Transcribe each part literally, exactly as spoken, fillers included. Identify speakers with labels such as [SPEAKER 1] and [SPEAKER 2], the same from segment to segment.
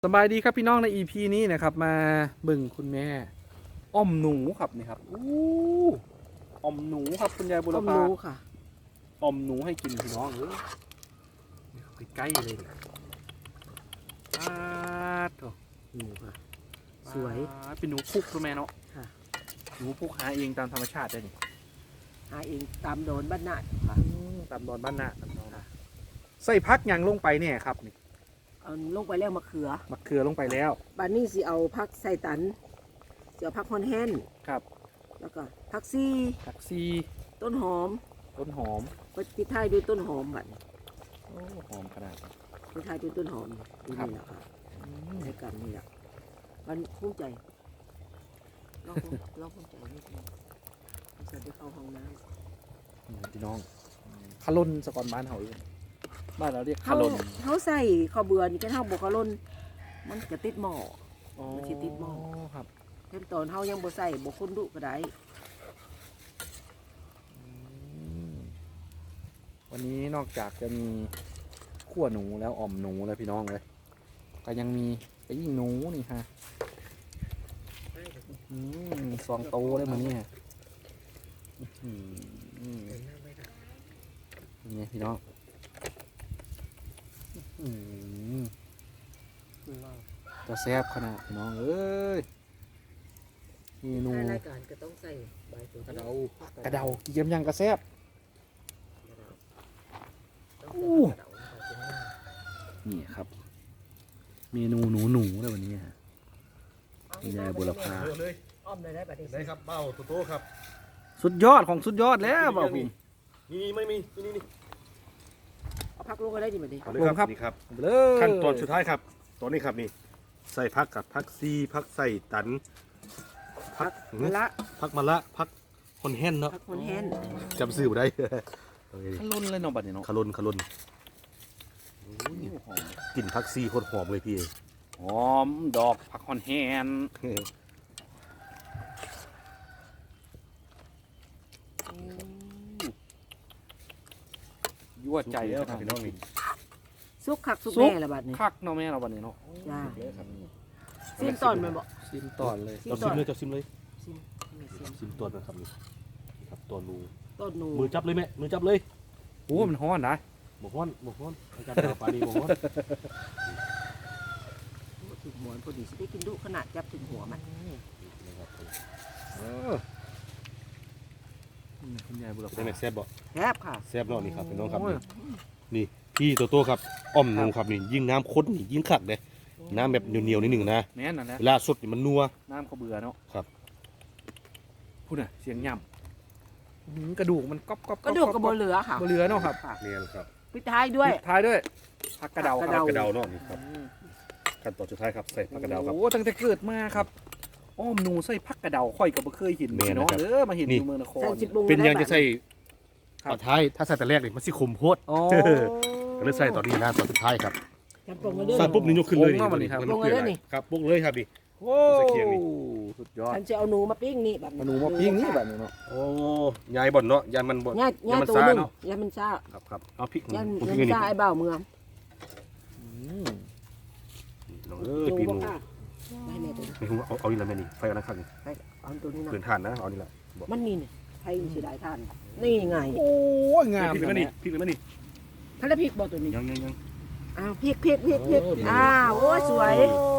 [SPEAKER 1] สบายดีครับพี่น้องใน อี พี นี้นะครับมาเบิ่งคุณแม่อ้อมหนูครับนี่ครับอู้อ้อมหนูครับคุณยายบุร
[SPEAKER 2] ต้ม
[SPEAKER 1] พา
[SPEAKER 2] รู้ค่ะ
[SPEAKER 1] อ้อมหนูให้กินพี่น้องเอ้ยใกล้ๆเลยเนี่ยปาดโถ
[SPEAKER 2] หนูค่ะ สวย
[SPEAKER 1] ปาดเป็นหนูพุกตัวแม่เนาะ
[SPEAKER 2] ค่ะ
[SPEAKER 1] หนูพุกหาเองตามธรรมชาติได้นี่
[SPEAKER 2] หาเองตามโดนบ้านนาดค่ะ
[SPEAKER 1] ตามดอนบ้านนาตามดอนนะใส่พักหยังลงไปเนี่ยครับนี่
[SPEAKER 2] เอาลงไปแล้วมะเขือ
[SPEAKER 1] มะเขือลงไปแล้ว
[SPEAKER 2] บานนี้สิเอาผักใส่ตันสิเอาผักฮอนแฮน
[SPEAKER 1] ครับ
[SPEAKER 2] แล้วก็ผักซี่
[SPEAKER 1] ผักซี
[SPEAKER 2] ต้นหอม
[SPEAKER 1] ต้นหอม
[SPEAKER 2] ไปปิดท้ายด้วยต้นหอมบัดนี้
[SPEAKER 1] โอ้หอมขนาดนี้
[SPEAKER 2] ปิดท้ายด้วยต้นหอมดู
[SPEAKER 1] ครับ
[SPEAKER 2] นี่แหละค่ะในกันนี่แหละมันภูมิใจเราภูมิเราภูมิใจนิดนึงเราจะได้เข้าห้องน้
[SPEAKER 1] นี่พี่น้องขลุ่นสกอนบ้านเขาเองบ้านเราเรียก
[SPEAKER 2] ำ
[SPEAKER 1] ขลุ่น
[SPEAKER 2] เขาใส่ข้าวเบื่อนี่แค่เท่าบวกข้าวล้นมันจะติดหม้อ มันสิติดหม้อ
[SPEAKER 1] ครับ
[SPEAKER 2] เห็นตอนเฮายังบ่ใส่บ่คนดุก็ได้
[SPEAKER 1] วันนี้นอกจากจะมีขั่วหนูแล้วอ่อมหนูแล้วพี่น้องเลยก็ยังมีไปยิงหนูนี่ฮะอืมซองโตได้มาเนี่ยอืมนี่พี่น้องอืมจะแซ่บขนาดพี่น้องเอ้ยเมนู
[SPEAKER 2] รายการก็ต้องใส่ใบตัว
[SPEAKER 1] กระเดากระเดาเยี่ยมยังกระแซ่บ อู้ นี่ครับ เมนูหนูหนูเลยวันนี้ฮะคุณยายบุรพา
[SPEAKER 3] เยอะเลย
[SPEAKER 2] อ้อมเลยได้บัดนี้
[SPEAKER 3] ได้ครับเบ้าโตโต้ครับ
[SPEAKER 1] สุดยอดของสุดยอดแล้วบ่าวพี่
[SPEAKER 3] นี่ไม่มีนี่นี่นี่
[SPEAKER 2] เอาพักลงก็ได้ดิบัดนี้
[SPEAKER 3] เอาเลยครับนี่ครับ
[SPEAKER 1] เลย
[SPEAKER 3] ขั้นตอนสุดท้ายครับตัวนี้ครับนี่ใส่พักกับพักซีพักใส่ตันพัก
[SPEAKER 2] มะละ
[SPEAKER 3] พักมะละพักคอนแฮนเนาะ
[SPEAKER 2] พักคนแฮน
[SPEAKER 3] จำซื้อบ่ได้
[SPEAKER 1] ขลุ่นเลยเนาะบัดนี้เนาะ
[SPEAKER 3] คารุนคารุน
[SPEAKER 1] โอ้ยหอม
[SPEAKER 3] กลิ่นพักซีโคตรหอมเลยพี่
[SPEAKER 1] หอมดอกผักฮอนแฮนยั่วใจ
[SPEAKER 3] แล้
[SPEAKER 1] แล้ว ว
[SPEAKER 3] ครับพี่น้องนี่
[SPEAKER 2] สุกคักสุก
[SPEAKER 1] ซุป
[SPEAKER 2] แม่ละบัดนี้
[SPEAKER 1] คักเนาะแม่เราบัดนี้เนาะ
[SPEAKER 2] จ้า
[SPEAKER 3] เลยครับ
[SPEAKER 2] ซิมตอนแม่นบ่
[SPEAKER 1] ชิมตอนเลย
[SPEAKER 2] ซิม
[SPEAKER 3] เรา
[SPEAKER 2] ต
[SPEAKER 3] ซิ
[SPEAKER 2] อน
[SPEAKER 3] มเลยเราซิมเลย
[SPEAKER 2] ซิมนี่ซิม
[SPEAKER 3] ซิมตัวนะครับนี่นี่ครับตัวนู
[SPEAKER 2] ต้นหนู
[SPEAKER 3] มือจับเลยแม่มือจับเลย
[SPEAKER 1] โอ้มันฮ้อนนะ
[SPEAKER 3] บกฮ้อนบกฮ้อนอาจารย์ดาวปานีบกฮ้อน
[SPEAKER 2] ถึงหมอนพอดีสิได้กินดุขนาดจับถึงหัวมัน
[SPEAKER 3] นะครับ
[SPEAKER 1] เออนี่คุณยายบุรพา
[SPEAKER 3] ได้ไหมแซ่บบ่
[SPEAKER 2] แซ่บค่ะ
[SPEAKER 3] แซ่บเนาะนี่ครับพี่น้องครับ
[SPEAKER 1] โอ้ย
[SPEAKER 3] นี่พี่โตโต้ครับอ้อมหนูครับนี่ยิ่งน้ำข้นนี่ยิ่งขัดเลยน้ำแบบเหนียวๆนิดหนึ่งนะ
[SPEAKER 1] แม่นนั่นแหละ
[SPEAKER 3] เวลาสดนี่มันนัว
[SPEAKER 1] น้ำเขาเบื่อเนาะ
[SPEAKER 3] ครับ
[SPEAKER 1] พูดน่ะเสียงย่ำอื้อหือกระดูกมันก๊อบก๊อบ
[SPEAKER 2] กระดูกกระโบเหลือค่ะ
[SPEAKER 1] บ่เหลือเนาะครับ
[SPEAKER 3] เนี่ยครับ
[SPEAKER 2] ปิดท้ายด้วย
[SPEAKER 1] ปิดท้ายด้วยผักกระเดาค
[SPEAKER 2] ผั
[SPEAKER 1] รับ
[SPEAKER 3] กระเดาเนาะนี่ครับขั้นตอนสุดท้ายครับใส่ผักกระเดาครับ
[SPEAKER 1] โอ้ตั้งแต่เกิดมาครับอ้อมหนูใส่ผักกระเดาค่อยก็บ่เคยเห็น
[SPEAKER 3] แม่น
[SPEAKER 1] พี่น้อง
[SPEAKER 3] นะครับ
[SPEAKER 1] เด้อมาเห็น
[SPEAKER 3] นี่
[SPEAKER 1] อยู่เมืองนคร
[SPEAKER 2] ใส่สิบวง
[SPEAKER 3] เป็นยังจะใส่
[SPEAKER 1] ครับ
[SPEAKER 3] ตอนท้ายถ้าใส่แต่แรกนี่มันสิขมโพด
[SPEAKER 1] อ๋อ
[SPEAKER 3] ก็เลยใส่ตอนนี้นะตอนสุดท้ายครับ
[SPEAKER 2] จับปรุงมาด้วย
[SPEAKER 3] ใส่ปุ๊บนี่ยกขึ้นเลย
[SPEAKER 1] โอ้งเอามานี่ครับ
[SPEAKER 3] มัน
[SPEAKER 2] ลงมาเลยนี่
[SPEAKER 3] ครับปุ๊บเลยครับนี่
[SPEAKER 1] โอ้
[SPEAKER 3] ใส่เคียงนี่
[SPEAKER 1] สุดยอด
[SPEAKER 2] ฉันจะเอาหนูมาปิ้งนี่แบบ
[SPEAKER 1] เอาหนูมาปิ้งนี่แบบนี้เนาะ
[SPEAKER 3] โอ้ยายบ่อนเนาะยายมันบ่อน
[SPEAKER 2] ย่าย่า
[SPEAKER 3] มัน
[SPEAKER 2] ตัว
[SPEAKER 3] ซ่า
[SPEAKER 2] หนึง
[SPEAKER 3] เนาะ
[SPEAKER 2] ย่ามันซ่า
[SPEAKER 3] ครับครับเอาพริก
[SPEAKER 2] ย่า
[SPEAKER 3] ผม
[SPEAKER 2] ย่า
[SPEAKER 3] พริก
[SPEAKER 2] มัน
[SPEAKER 3] นี่
[SPEAKER 2] ซ่าไอ้บ่าวเมือง
[SPEAKER 1] อืม
[SPEAKER 3] ลองเอ้ยปีนหนู
[SPEAKER 2] บ่กล้าได้แม่ตัวนี้
[SPEAKER 3] นี่ผมเอาเอาอีกแล้วแม่นี่ไฟเอาละครับนี่
[SPEAKER 2] ไปเอาตัวนี้นะ
[SPEAKER 3] เกินทานนะเอานี่ละ
[SPEAKER 2] มันนี่เนี่ยใครเสียดายทาน นี่ไง
[SPEAKER 1] โอ้ยงาม
[SPEAKER 3] พริก
[SPEAKER 1] จั
[SPEAKER 3] เลย
[SPEAKER 1] ง
[SPEAKER 3] นี่
[SPEAKER 1] เนี่ย
[SPEAKER 3] พริกเลยนี่
[SPEAKER 2] พระพริกบ่ตัวนี้
[SPEAKER 3] ยังยังยัง
[SPEAKER 2] อ้าวพริกพริกพริกพริก
[SPEAKER 3] โอ้ดี
[SPEAKER 2] อ้าวโอ้ยสวย
[SPEAKER 1] โอ้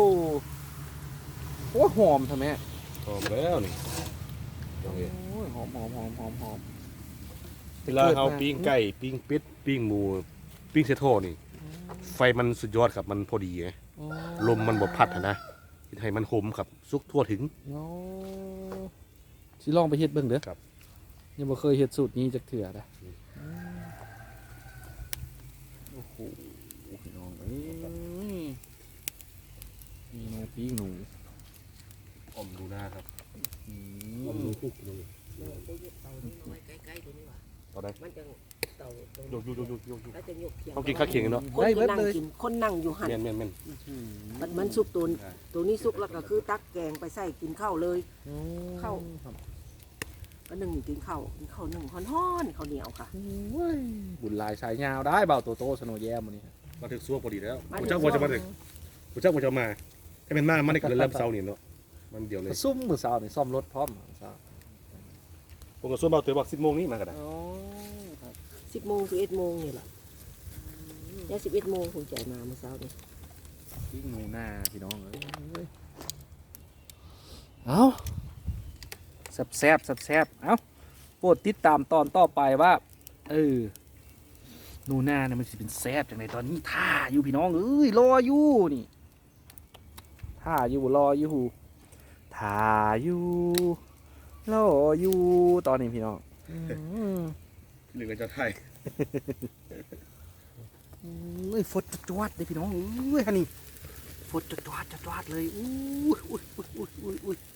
[SPEAKER 1] โอ้หอมทำไม
[SPEAKER 3] หอมแล้วนี่
[SPEAKER 1] โอ้ยหอมหอมหอมหอมหอม
[SPEAKER 3] เวลาเขาปิ้งไก่ปิ้งเป็ดปิ้งหมูปิ้งเสยโทนี่ไฟมันสุดยอดครับมันพอดีไงลมมันบ่พัดอะนะเฮ็ดให้มันหอมครับสุกทั่วถึง
[SPEAKER 1] โอ้สิลองไปเฮ็ดเบิ่งเด้อ
[SPEAKER 3] ครับ
[SPEAKER 1] ยังบ่เคยเฮ็ดสูตรนี้จักเถื่อนะโอ้โหพี่น้องเอ้ยมีหนูปิ้งหนู
[SPEAKER 3] อมดูหน้าครับ
[SPEAKER 1] อื
[SPEAKER 3] อม
[SPEAKER 1] ม
[SPEAKER 3] ดูคุกเลย
[SPEAKER 2] ใกล้ๆตัวนี้ว่ะ
[SPEAKER 3] เอาได้
[SPEAKER 2] มันจะเต่า
[SPEAKER 3] โยกโยกโยกโยกโยก
[SPEAKER 2] แล้วจะยกเคียง
[SPEAKER 3] ต้องกินข้าวเคียงกันเนาะ
[SPEAKER 2] คน
[SPEAKER 1] ได้
[SPEAKER 2] ที่
[SPEAKER 1] เบิด
[SPEAKER 2] นั่ง
[SPEAKER 1] เลย
[SPEAKER 2] กินคนนั่งอยู่หัน
[SPEAKER 3] แม่นแม่นแม่น
[SPEAKER 1] อืม
[SPEAKER 2] มันมันสุกตัวตัวนี้สุกแล้วก็คือตักแกงไปใส่กินข้าวเลย เข้า
[SPEAKER 1] ครับ
[SPEAKER 2] ก็หนึ่งกินข้าวกินข้าวหนึ่งฮ้อนๆข้าวเหนียวค่ะ
[SPEAKER 1] โอ้ยบุญหลายสายยาวได้เบาโตโตสโนว์แยมวันนี้
[SPEAKER 3] มาถึงซัวพอดีแล้ว
[SPEAKER 2] มาถึง
[SPEAKER 3] ผมเจ้าว่าจะมาถึง
[SPEAKER 1] ม
[SPEAKER 3] ผู้เจ้าผู้เจ้ามาให้เป็นมามันได้เกินเริ่มเซานี่เนาะมันเดียวเลย
[SPEAKER 1] ซุ่มมือเช้านี่ซ่อมรถพร้อมมื้อเช้า
[SPEAKER 3] ผมก็ส่วนเบาตัวบอกสิบโมงนี้มาก็ได้
[SPEAKER 1] อ๋อครับ
[SPEAKER 2] สิบโมงสิบเอ็ดโมงนี่แหละแล้วสิบเอ็ดโมงผมใจมาเมื่อเช้านี่
[SPEAKER 1] ปิ้งหนูหน้าพี่น้องเอ้ยเอ้าแซ่บแซ่บแซ่บแซ่บเอ้าโปรดติดตามตอนต่อไปว่า เออหนูหน้าเนี่ยมันสิเป็นแซ่บจังไดตอนนี้ท่าอยู่พี่น้องเอ้ยรออยู่นี่ท่าอยู่รออยู่ท่าอยู่รออยู่ตอนนี้พี่น้องอืม
[SPEAKER 3] หนึ่งกันจะไทย
[SPEAKER 1] เอ้ยฝดจวดๆเลยพี่น้องเอ้ยฮันนี่ฝดจวดๆจวดๆเลยอุ้ยอุ้ยอุ้ยอุ้ยอุ้ยอุ้ย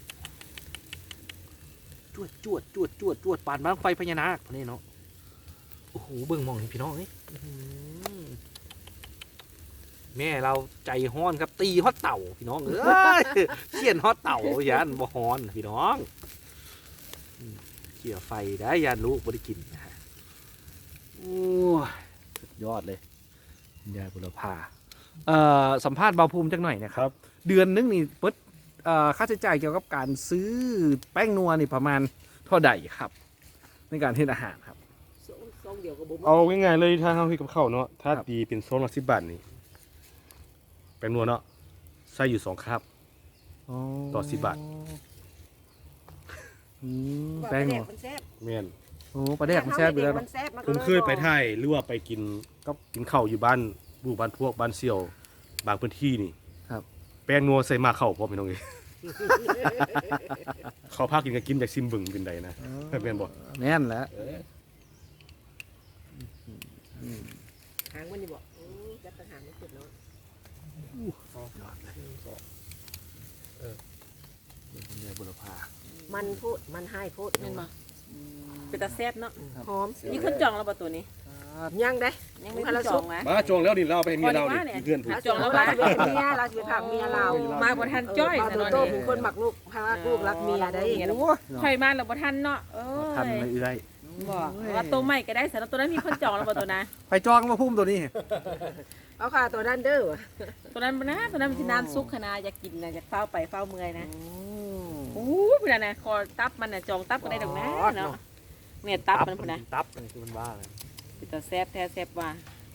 [SPEAKER 1] จวดจวดจวดจวดจวดปานบ้างไฟพญานาคนี่เนาะโอ้โหเบิ่งมองนี่พี่น้องเอ้ยอื้อหือแม่เราใจฮ้อนครับตีฮอตเต่าพี่น้องเอ้ยเขี่ยนฮอตเต่ายันบ่ฮ้อนพี่น้องอืมเขี่ยไฟได้ยันลูกบ่ได้กินนะฮะโอ้ย ยอดเลยคุณยายบุรพาเอ่อสัมภาษณ์เบาภูมิจักหน่อยนะครับ เดือนนึงนี่เปิดเอ่อค่าใช้จ่ายเกี่ยวกับการซื้อแป้งนัวนี่ประมาณเท่าใดครับ ในการเฮ็ดอาหารครับ
[SPEAKER 2] สองสองเดียวกับผม
[SPEAKER 3] เอาง่ายๆเลยถ้าเฮาเฮ็ดกับข้าวเนาะถ้า
[SPEAKER 1] ครับ
[SPEAKER 3] ตีเป็นโซนละสิบบาทนี่แป้งนัวเนาะใส่อยู่สองคาบ ต่อสิบบาท
[SPEAKER 1] อืม
[SPEAKER 2] ว่า
[SPEAKER 1] แป้งนัว
[SPEAKER 2] มันแซ่บ
[SPEAKER 3] แม่น
[SPEAKER 1] โอ้ปลาแดกมันแซ่บอยู่แล้ว
[SPEAKER 2] มั
[SPEAKER 1] เนาะ
[SPEAKER 2] นแซ่บมัน
[SPEAKER 3] ผมเคยไปไทยหรือว่าไปกินก็กินข้าวอยู่บ้านบูบ้านพวกบ้านเสี่ยวบางพื้นที่นี่
[SPEAKER 1] ครับ
[SPEAKER 3] แป้งนัวใส่มาเข้าพร้อมพี่น้องเอ้ย เขาพากินก็กินจากซิมเบึงเป็นใดนะแม่นบ่
[SPEAKER 1] แม่นแหล้ว
[SPEAKER 2] หางมันนี่บอกโอ้จับตะหางมันสุดแล้ว
[SPEAKER 1] ยอดเลยคุณยายบุรพา
[SPEAKER 2] มันโพดมันให้โพด
[SPEAKER 4] แม่นบ่เป็นตาแซ่บเนาะ
[SPEAKER 2] หอม
[SPEAKER 4] มีคนจองแล้วบ่ตัวนี้
[SPEAKER 2] ยังได้
[SPEAKER 4] ยังไม่คนจองนะ
[SPEAKER 3] มาจองแล้วนี่เราเอาไปให้เมียเรา
[SPEAKER 4] พอดีว่าเนี่
[SPEAKER 3] นี่
[SPEAKER 4] ย
[SPEAKER 3] เพื่อนผม
[SPEAKER 4] จองแล้ว
[SPEAKER 2] เรา
[SPEAKER 4] ว่า
[SPEAKER 2] จะเป็นเมียเราจะเป็นผักเมียเรา
[SPEAKER 4] มาบ่ทันจ้อย
[SPEAKER 2] เออ
[SPEAKER 4] แต่
[SPEAKER 2] มา
[SPEAKER 4] เนาะ
[SPEAKER 2] โต
[SPEAKER 4] นี่
[SPEAKER 2] เป็นคนหมักลูกเพราะว่าลูกรักเมียได้
[SPEAKER 4] โอ้ ค่อยมาแล้วบ่ทันเนาะเอ้
[SPEAKER 1] ทัน
[SPEAKER 4] ย
[SPEAKER 1] เลยเอื้อย
[SPEAKER 4] บ่ว่าตัวใหม่ก็ได้สำหรับตัวนั้นมีคนจองแล้วบ่ตัวนะ
[SPEAKER 1] ไปจองมาพุ่มตัวนี้
[SPEAKER 2] เอาค่ะตัวนั้นเด้อ
[SPEAKER 4] ตัวนั้นบ่นะตัวนั้นมันสินานสุกขนาดอยากกินนะอยากเฝ้าไปเฝ้าเมื่อยนะโอ้ยพุ่นน่ะนะคอตับมันน่ะจองตับก็ได้ดอกนะเนาะเนี่ยตับมันพุ่นน่ะ
[SPEAKER 1] ตับนี่คือมันบ้าเลย
[SPEAKER 4] เป็นตาแซ่บแท้แซ่บว่า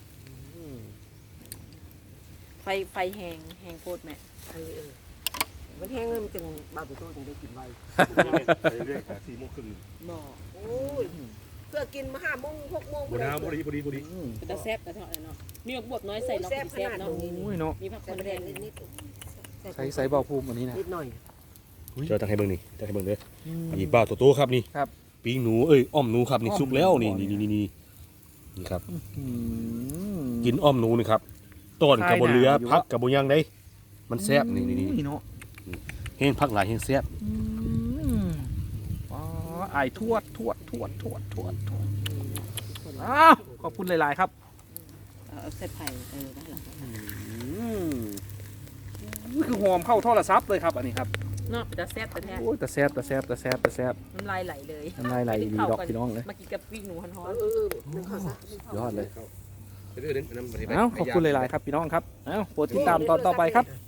[SPEAKER 4] ไฟไฟแห้งแห้งโพดแม่
[SPEAKER 2] เออเออมันแห้งเลยมันจึงบาตุโต้จึงได้กินไว
[SPEAKER 3] เรื่อยๆสี่โมงครึ่ง
[SPEAKER 4] บ่
[SPEAKER 2] โอ้ยเพื่อกินมาห้าโมงหกโมง
[SPEAKER 3] บ่นะบ่ดีบ่ดีบ่ดี
[SPEAKER 4] เป็นตาแซ่บแต่เท่านั้นเนาะมีหมกบวบน้อยใส่เนาะ
[SPEAKER 2] แซ่บข
[SPEAKER 4] แซ่บ
[SPEAKER 2] นาด
[SPEAKER 4] เนาะ
[SPEAKER 2] นี้
[SPEAKER 1] โอ้ยเนาะ
[SPEAKER 4] มีผัก
[SPEAKER 2] แต่
[SPEAKER 4] คน
[SPEAKER 2] ประ
[SPEAKER 4] แด
[SPEAKER 2] เด็น
[SPEAKER 4] ง
[SPEAKER 2] นิด
[SPEAKER 1] ใช้ใส่เบาภูมิอันนี้นะ
[SPEAKER 2] นิดหน่อย
[SPEAKER 3] เจอทางให้เบิ่งนี่ทางให้เบิ่งเด้ออีบ้าตัวโตครับนี่
[SPEAKER 1] ครับ
[SPEAKER 3] ปิ้งหนูเอ้ยอ้อมหนูครับนี่
[SPEAKER 1] อ้อม
[SPEAKER 3] สุกแล้วนี่
[SPEAKER 1] หนู
[SPEAKER 3] นี่นี่นี่นี่ครับ
[SPEAKER 1] อืม
[SPEAKER 3] กินอ้อมหนูนี่ครับต้นกับบนเรือ
[SPEAKER 1] คลายหนาวอยู่
[SPEAKER 3] พักกับบนยังได้ มันแซ่บนี่นี่นี่
[SPEAKER 1] เนาะ
[SPEAKER 3] เฮงพักหลายเฮงแซ่บ
[SPEAKER 1] อืมอ๋อไอายทวดทวดทวดทวดทวดทวดอ้าวขอบคุณหลายๆครับ
[SPEAKER 4] เอาเส้นไผ่เออได้หรอ
[SPEAKER 1] อืมนี่คือหอมเข้าโทรศัพท์เลยครับอันนี้ครับ
[SPEAKER 4] เนาะเป็นตาแซ่บแต่แท้
[SPEAKER 1] โอ้ยแต่แซ่บแต่แซ่บแต่แซ่บแต่แซ่บ
[SPEAKER 4] น้ำลายไหลเลย
[SPEAKER 1] น้ำลายไหลดีดอกพี่น้องเลย
[SPEAKER 4] มากินกับปิ้งหนูฮ้อน
[SPEAKER 2] เออเออนึกเข้าซะ
[SPEAKER 1] ยอดเลย
[SPEAKER 3] เดี๋ยวเดี๋ยวเดี๋ยว
[SPEAKER 1] เอ้าขอบคุณหลายๆครับพี่น้องครับเอ้าโปรดติดตามตอนต่อไปครับ
[SPEAKER 2] เ